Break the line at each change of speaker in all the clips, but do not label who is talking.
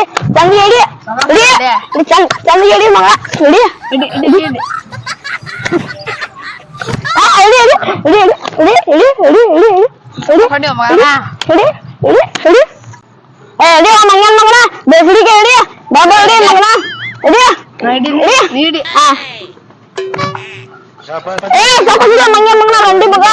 ಚಂದ ಇಡಿ ಚಂದ ಇಡಿ ಮಗ ಇಡಿ ಮಂಗನ್ ಮಗನ ಬೇಸಿಡಿಗೆ ಇಡಿ ಬಾಬಾ ಇಡಿ ಮಗನ ಇಡಿ ಮಂಗನ್ ಮಗನ ರಂಡಿ ಮಗ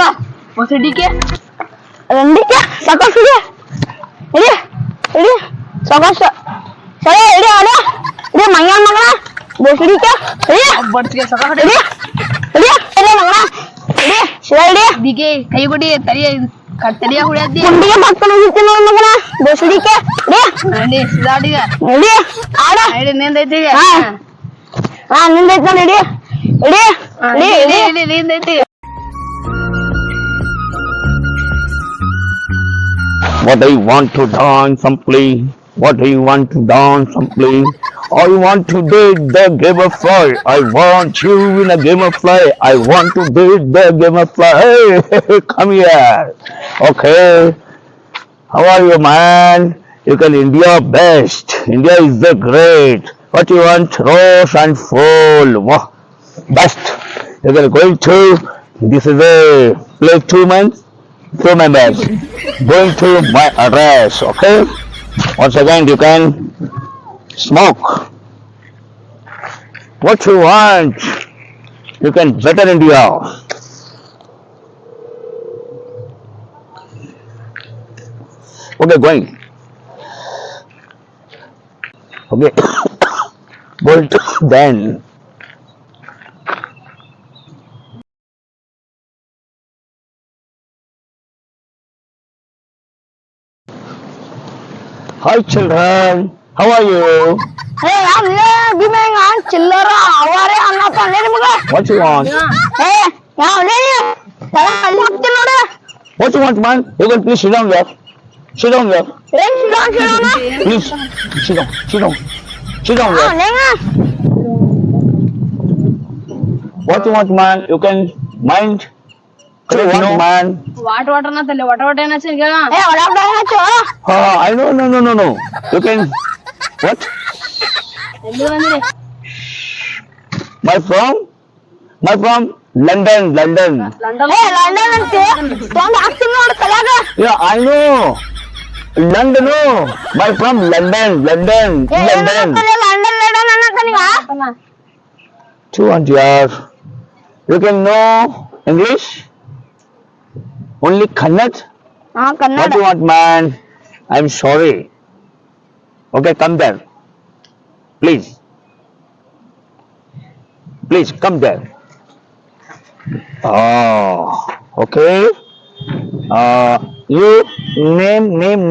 ರಂಡಿಕೆ ಸಾಕಷ್ಟು ಇಡಿ ಇಡಿ ಸಾಕಷ್ಟು ಸರಿ ಇಡಿ ಅಡ ಇಡಿ ಮಂಗನ್ ಮಗನ ಬೇಸಿಡಿಕೆ ಇಡಿ ಇಡಿ ಇಡಿ ಮಗನ ಇಡಿ ಶಿವ ಇಡಿ
ದಿಗೆ ಕೈ ಬಿಡಿ ತರಿಯ ಕತ್ತರಿಯ ಹುಡಿಯದ್ದಿ
ಕುಂಡಿಗೆ ಮಕ್ಕಳು ಹೋಗ್ತೀನಿ ಮಗನ ಬೇಸಿಡಿಕೆ
ಇಡಿ ಸಿದಾಡಿಗ
ಇಡಿ ಆಡ
ಇಡಿ ನಿಂದೈತಿ
ಹಾ ನಿಂದೈತಿ ನೋಡಿ ಇಡಿ ಇಡಿ ಇಡಿ
ಇಡಿ ನಿಂದೈತಿ
What do you want to dance simply? What do you want to dance simply? I want to date the game of fly. I want you in a game of fly. I want to date the game of fly. Hey, come here. Okay. How are you, man? You can India best. India is the great. What you want? Rose and full. Wow. Best. You can going to. This is a place 2 months. 2 members going to my address. Okay. Once again, you can smoke. What you want? You can better India. Okay, going. Okay. Bolt then. Hi children, how are you?
Hey, I'm here. Give me a chillera. How are you? I'm not on any mother.
What you want?
Hey, now, lady.
What you want, man? You can please sit down there. Sit down there. Please, sit down, sit down. Sit down there. What you want, man? You can mind. What you want, man?
Water ಅನ್ನತಲ್ಲ water ಏನಚ್ಚ ಈಗ
Hey, what up,
I know, no. You can, what?
ಎಲ್ಲಿ ಬಂದಿರಿ
My from London.
London
Hey, London ಅಂತೆ. ತೊಂದು ಹಾಕ್ತೀನಿ ನೋಡು ತಲೆಯಾಗ.
Yeah, I know. London, no. My from London.
London ಅನ್ನಕನೀಗ.
200 years. You can know English? Only Kannada?
ಹಾ
What
Kannada.
you want, man? I'm sorry. Okay, come there. Please. Please, come there. Oh, okay. You name.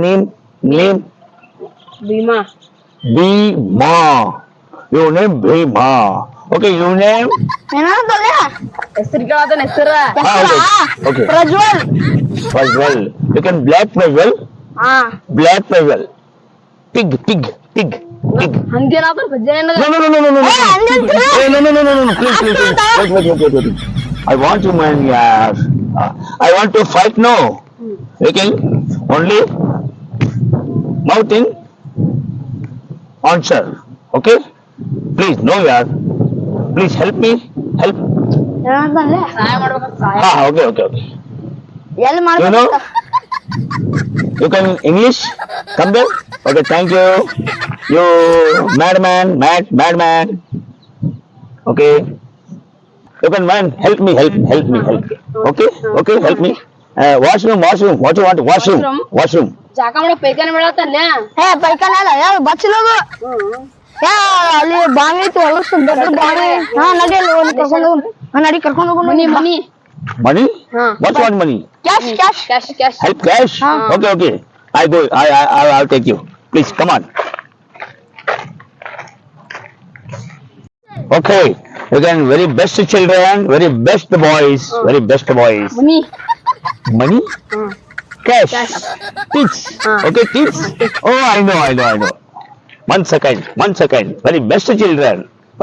Bima
Bhima. Your name Bhima. Okay, your name?
ಏನಾಗ್ತದೆ?
ಹೆಸರು ಕೇಳತನ ಹೆಸರು
Okay.
Prajwal.
Well. You can black Prajwal.
ಹಾ.
Black Prajwal. Pig.
ಹಂಗೇನಾದ್ರು ಭಜನೆ
No.
Hey, ಅಂದಂತ್ರು.
Hey, no. Please. Wait. I want to, man, yes. I want to fight, no. Okay? Only mouth in answer. Okay? Please, no, yaar. Please help me. Help.
ಏನಾಗ್ತದೆ?
ಸಹಾಯ ಮಾಡ್ಬೇಕಂತ ಸಹಾಯ
Okay.
ಎಲ್ಲಿ
You know?
ಮಾಡ್ಬೇಕು?
You can English? Come there. Okay, thank you. You madman. Okay. You can, man, help me. Okay, help me. Washroom. What you want? Washroom.
ಜಾಕ ಮಾಡೋ ಪೈಕಾನೆ ಮಾಡತ್ತಲ್ಲ
ಹೇ ಪೈಕಾನೆ ಅಲ್ಲ ಯಾವ ಬಚ್ಚಲೋದು. ಅಲ್ಲಿ ಬಾವಿ ಐತಿ ಹೊಲಸು ದೊಡ್ಡ ಬಾವಿ. ಹಾ ನಡಿ ಅಲ್ಲಿ ಒಂದು ಕರ್ಕೊಂಡು ಹೋಗು. ನಡಿ ಕರ್ಕೊಂಡು ಹೋಗು.
Money
Money? What you want money?
Cash.
Help cash? Okay. I go. I'll take you. Please, come on. Okay. Again, very best children, very best boys. Money? Cash. Tips. Okay, tips. Oh, I know. 1 second. Very best children.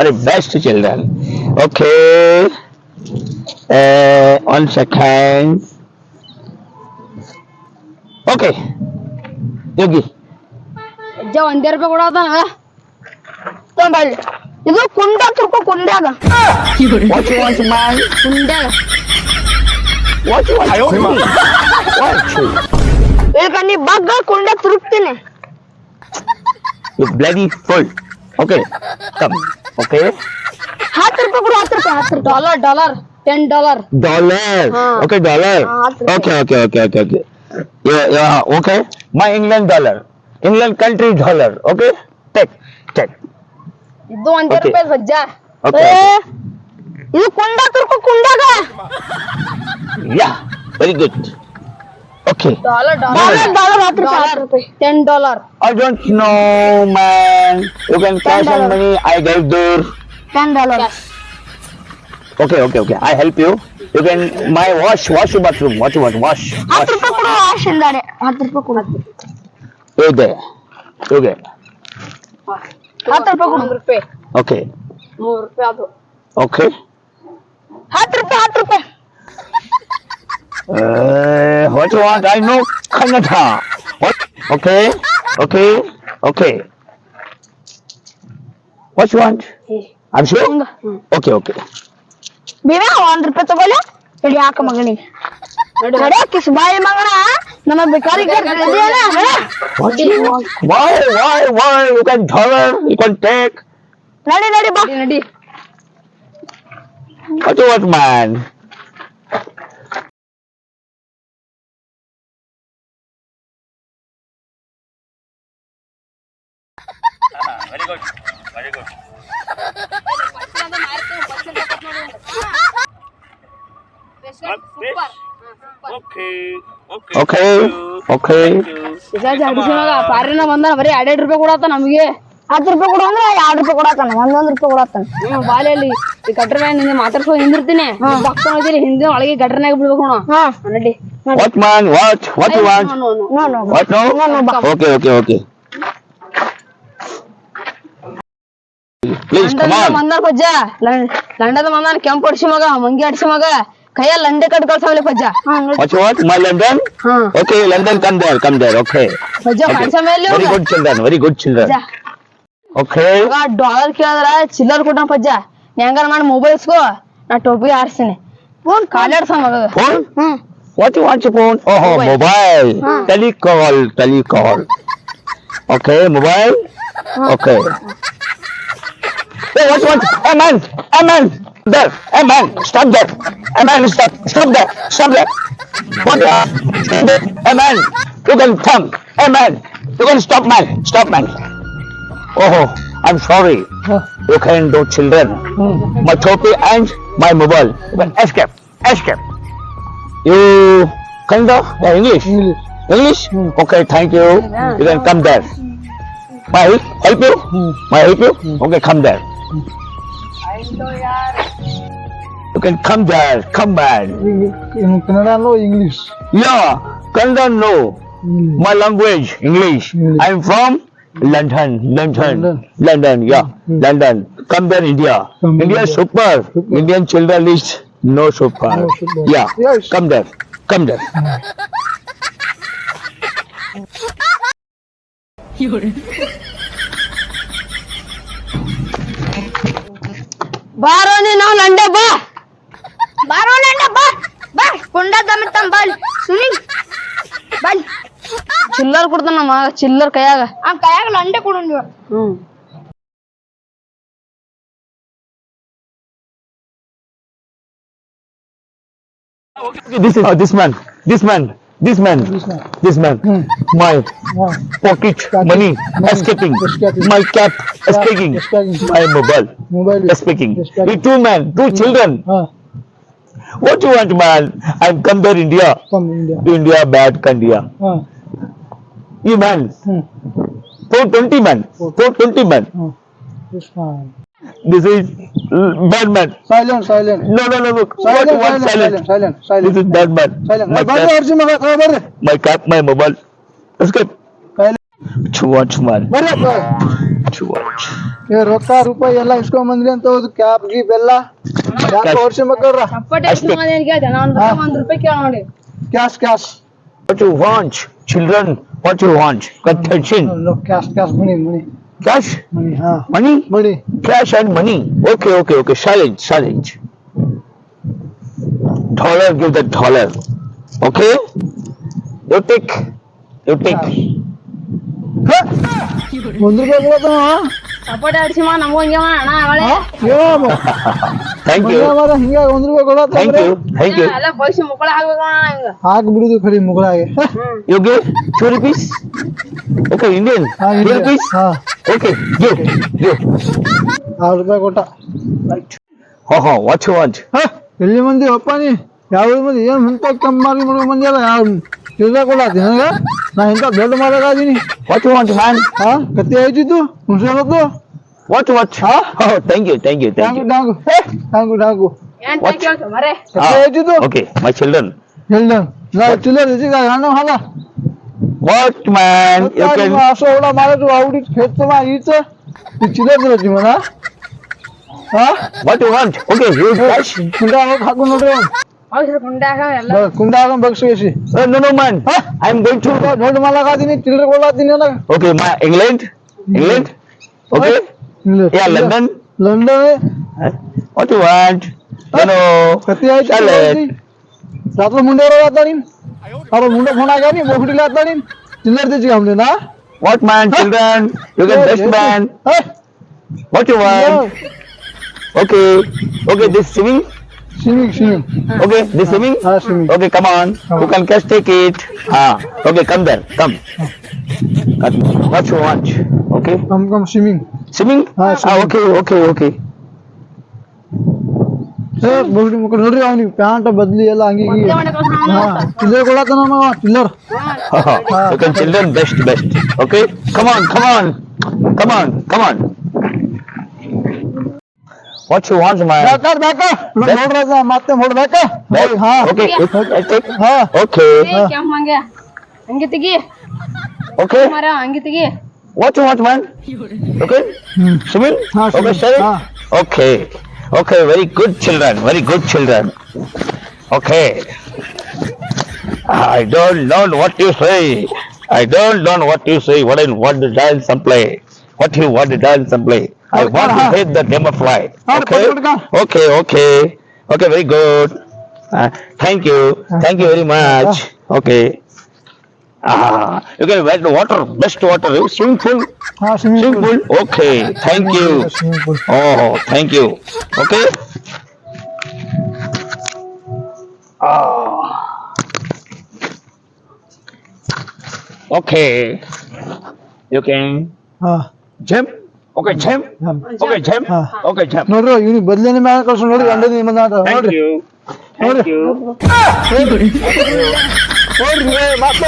Okay. 1 second. Okay. Yogi.
ಅಜ್ಜ ಒಂದೇ ರೂಪಾಯಿ ಕೊಡತಾನ
ತೊಂಬಲ್ಲಿ ಇದು ಕುಂಡ ತುರ್ಕೊ ಕುಂಡ್ಯಾಗ
What you want, man?
ಕುಂಡ್ಯಾಗ
What you want? What you?
ಈಗ ನೀ ಬಗ್ಗ ಕುಂಡ ತುರುಕ್ತೀನಿ
You bloody fool. Okay, come. Okay.
10 ರೂಪಾಯಿ ಕೊಡು 10 ರೂಪಾಯಿ
$10 $10
Dollar. Okay, dollar. Okay. Yeah. Okay. My England dollar. England country dollar. Okay. Take.
ಇದು ಒಂದೇ
Okay.
ರೂಪಾಯಿ ಅಜ್ಜ
Okay.
ಇದು ಕುಂಡ ತುರ್ಕೊ ಕುಂಡ್ಯಾಗ
Yeah. Very good. Okay.
$10
dollar 10 ರೂಪಾಯಿ
$10
I don't know, man. You can cash on money. I gave there.
$10
Okay. I help you. You can wash your bathroom. Wash.
10 ರೂಪಾಯಿ ಕೊಡು ವಾಶ್ ಎಂದಾರೆ 10 ರೂಪಾಯಿ ಕೊಡು
You there. Okay.
10 ರೂಪಾಯಿ ಕೊಡು
ರೂಪಾಯಿ
Okay.
$3 ಅದು
Okay.
10 ರೂಪಾಯಿ
What you want? I know Kannada. What? Okay. What you want? I'm sure. Okay.
ಬೇರೆ 1 ರೂಪಾಯಿ ತಗೊಳ್ಳಿ ಇಡಿ ಹಾಕ ಮಗನಿಗೆ ನಡೆ ಕಿಸ್ ಬಾಯಿ ಮಗನ ನಮ್ಮ ಬೇಕಾರಿಗೆ
What you want? Why? You can dollar. You can take.
ನಡಿ ಬಾ
ನಡಿ
What you want, man? Okay.
ಪಾರಿನ ಬಂದಾನ ಬರೀ $2 ರೂಪಾಯಿ ಕೊಡತ್ತ ನಮಗೆ
10 ರೂಪಾಯಿ ಕೊಡು ಅಂದ್ರೆ 2 ರೂಪಾಯಿ ಕೊಡತ್ತಾನ 1 ರೂಪಾಯಿ ಕೊಡತ್ತಾನ
ಬಾಲೆಯಲ್ಲಿ ಈ ಗಟ್ರ ಮ್ಯಾಗ ನಿಂಗೆ ಮಾತಾಡ್ಸ್ಕೊ ಹಿಂದಿರ್ತೀನಿ ಬಕ್ತ ಹೋಗಿರಿ ಹಿಂದೆ ಒಳಗೆ ಗಟ್ರನಾಗ ಬಿಡ್ಬೇಕು ನೋಡ
ಹಾ
ನಡಿ
What, man? What you want?
No
What? No?
ಬಾ
Okay. Please, come on.
ಬಂದಾರ ಪಜ್ಜ ಲಂಡದ ಬಂದಾನ ಕೆಂಪು ಅಡ್ಸಿ ಮಗ ಮಂಗಿ ಅಡ್ಸಿ ಮಗ ಕೈಯಲ್ಲಿ ಲಂಡೆ ಕಟ್ ಕಳ್ಸಾವಲೆ ಪಜ್ಜ
What you want? My London?
ಹಾ
Okay, London, come there. Okay.
ಪಜ್ಜ ಕಳ್ಸ ಮೇಲೆ
Very good children. Okay.
$1 ಕೇಳಿದ್ರ ಚಿಲ್ಲರ್ ಕೊಟ್ಟ ಪಜ್ಜ ಹೆಂಗಾರ ಮಾಡಿ ಮೊಬೈಲ್ ಇಸ್ಕೋ ನಾ ಟೋಪಿ ಹಾರಿಸ್ತೀನಿ ಫೋನ್ ಕಾಲಾಡ್ಸ ಮಗ
Phone? What you want your phone? Oh, mobile. Telecall. Okay, mobile. Okay. Hey, what you want? Hey, man. There. Hey, man, stop there. Hey, man, stop there. What you want? Stop there. Hey, man, you can come. Hey, man, you can stop, man. Oh, I'm sorry. You can do children. My topi and my mobile. You can escape. You Kannada? Yeah, English? Okay, thank you. You can come there. May I help you? Okay, come there. You can come there. Come back.
In Kannada, no English.
Yeah, Kannada no. My language, English. I'm from London. Yeah, London. Come there, India. India is super. Indian children is no super. Yeah,
Yes.
come there.
ಬಾರೋ ನೀನು ಲಂಡೆ ಬಾ
ಬಾರೋ ನಂಡ ಬಾ ಕುಂಡ ದಮಿತ್ತಂ ball Suni ball
ಚಿಲ್ಲರ್ ಕೊಡ್ತಾನ ನಮ್ಮ ಚಿಲ್ಲರ್ ಕೈಯಾಗ
ಆ ಕೈಯಾಗ ಲಂಡೆ ಕೊಡು ನೀವು
Okay, this man. My pocket money escaping. My cap escaping. My mobile escaping. We two children. What you want, man? I'm come there, India.
From India.
India bad Kandia. You man. 420 man.
This man.
This is bad man.
Silent.
No. What you want? Silent. This is bad man. My cap, my mobile. Escape. Too much, man. Too much.
ರೊಕ್ಕ ರೂಪಾಯಿ ಎಲ್ಲ ಇಸ್ಕೊಂಡ್ ಬಂದ್ರಿ ಅಂತ ಹೋದ್ cap ಗೀಪ್ ಎಲ್ಲ ಯಾಕೆ ವರ್ಷ ಮಕ್ಕಳ್ರ
ಚಪ್ಪಟೆ ಎಷ್ಟು ಮಂದಿ ಏನ್ ಕೇಳ್ದೆ? ನಾ $1 ಕೇಳ ನೋಡಿ
cash
What you want? Children What you want? Attention.
No, cash, money.
Cash?
Money, हाँ.
Money?
Money.
Cash and money. Okay. Silence. Dollar, give the dollar. Okay? You take.
₹1 ಕೊಡತಾನ
ಸಪೋರ್ಟ್ ಆಡ್ಸಿ ಮಾ ನಮಗೂ ಹಂಗೆ ಮಾ ಅಣ್ಣ ಅವಳೆ
Thank you.
ಹಿಂಗ ₹1 ಕೊಡತಾನ
Thank you.
ಎಲ್ಲ ಪೈಸೆ ಮುಕ್ಕಳ ಹಾಕ್ಬೇಕು ಅಣ್ಣ ಹಿಂಗ
ಹಾಕ್ ಬಿಡುದು ಖರಿ ಮುಗಳಾಗೆ
You give 2 rupees? Okay, Indian. 2 rupees?
ಹಾ
Okay, give.
₹6 ಕೊಟ್ಟ
What you want?
ಎಲ್ಲಿ ಮಂದಿ ಅಪ್ಪ ನೀ ಯಾವ ಮಂದಿ ಏನ್ ಮುಂತ ಕಮ್ಮಿ ಮಾಡಿ ಮಂದಿ ಅಲ್ಲ ಯಾವ ಚಿಲ್ಲರೆ ಕೊಡತ್ತೀನಿ ನನಗೆ ನಾ ಇಂಥ ದೊಡ್ಡ ಮಾರಾಗಾದೀನಿ
What you want, man?
ಹಾ ಕತ್ತಿ ಆಯ್ತಿದ್ದು ಹುಷಾರದ್ದು
What? Oh, thank you.
ಡಾಂಗು
ಏನ್ ಕೇಳ್ತು ಮರೆ
ಕತ್ತಿ ಆಯ್ತಿದ್ದು
Okay, my children.
ಹೇಳ್ದ ನಾ ಚಿಲ್ಲರೆ ಇಸಿಗ ಹಣ ಹಾಲ
What, man? You can.
असं एवढा मला तू आवडीत खेळतो ना हिचं ती चिलर दिली मला हा
What you want? Okay, you cash.
कुंडा हाकून नोटे
ಔಷಧ ಕುಂಡಾಗ ಎಲ್ಲ
कुंडा हाकून बघ कशी
No, man. I'm going to.
ನೋಡು मला का तिने चिल्लर कोला तिने ना
Okay, my England. Okay. Yeah, London.
London
What you want?
कती आहे
Salad.
रात्र मुंड्यावर जातानी अरे मुंडा फोन आहे का नाही बोकडीला जातानी चिल्लर त्याची घामले ना
What, man? Children. You can best man. What you want? Okay. This swimming.
Swimming
Okay, this swimming.
हाँ swimming
Okay, come on. You can catch, take it. Okay, come there. Come. What you want? Okay.
Come swimming
Swimming?
हाँ, swimming.
Okay.
बोकडी मुक ನೋಡ್ರಿ ಅವನಿಗೆ pant ಬದಲಿ ಎಲ್ಲ ಹಂಗಿ ಹಾ ಚಿಲ್ಲರ್ ಕೊಡತಾನ ನಾವು ಚಿಲ್ಲರ್
You can children best. Okay. Come on. What you want, man?
ನೋಡ್ರ ಮತ್ತೆ ನೋಡ್ಬೇಕ ಹಾ
Okay. I take.
ಹಾ
Okay.
ಏ ಕೆಂಪ್ ಮಂಗೆ ಹಂಗೆ ತೆಗಿ
Okay.
ಮರ ಹಂಗೆ ತೆಗಿ
What you want, man? Okay. Swimming?
हाँ,
Okay,
swimming.
sir.
हाँ.
Okay. Very good children. Okay. I don't know what you say. What I want to dance and play. What you want to dance and play? I want to hit the game of fly. Okay. Very good. Thank you very much. Okay. You can get water, best water, swimming pool.
ಹಾ swimming
Swimming pool. Okay. Thank you.
Swimming pool
Oh, thank you. Okay. Okay. You can
ಹಾ
jump. Okay, jump.
ಹಾ
Okay, jump.
ನೋಡ್ರಿ ಇವ್ನಿಗೆ ಬದಲೇನೆ ಮ್ಯಾಲ ಕಳ್ಸ ನೋಡ್ರಿ ಗಂಡದ ನಿಮ್ಮ ನೋಡ್ರಿ
Thank you.
ನೋಡ್ರಿ ಮತ್ತೆ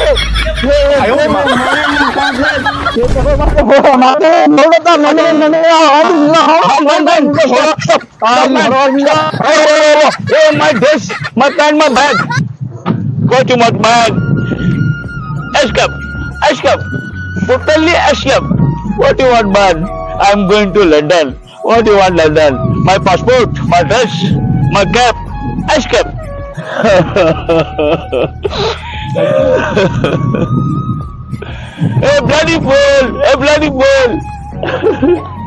Oh, my dress, my pant, my bag. Go to my bag. Escape. Totally escape. What do you want, man? I'm going to London. What do you want, London? My passport, my dress, my cap. Escape. A bloody fool.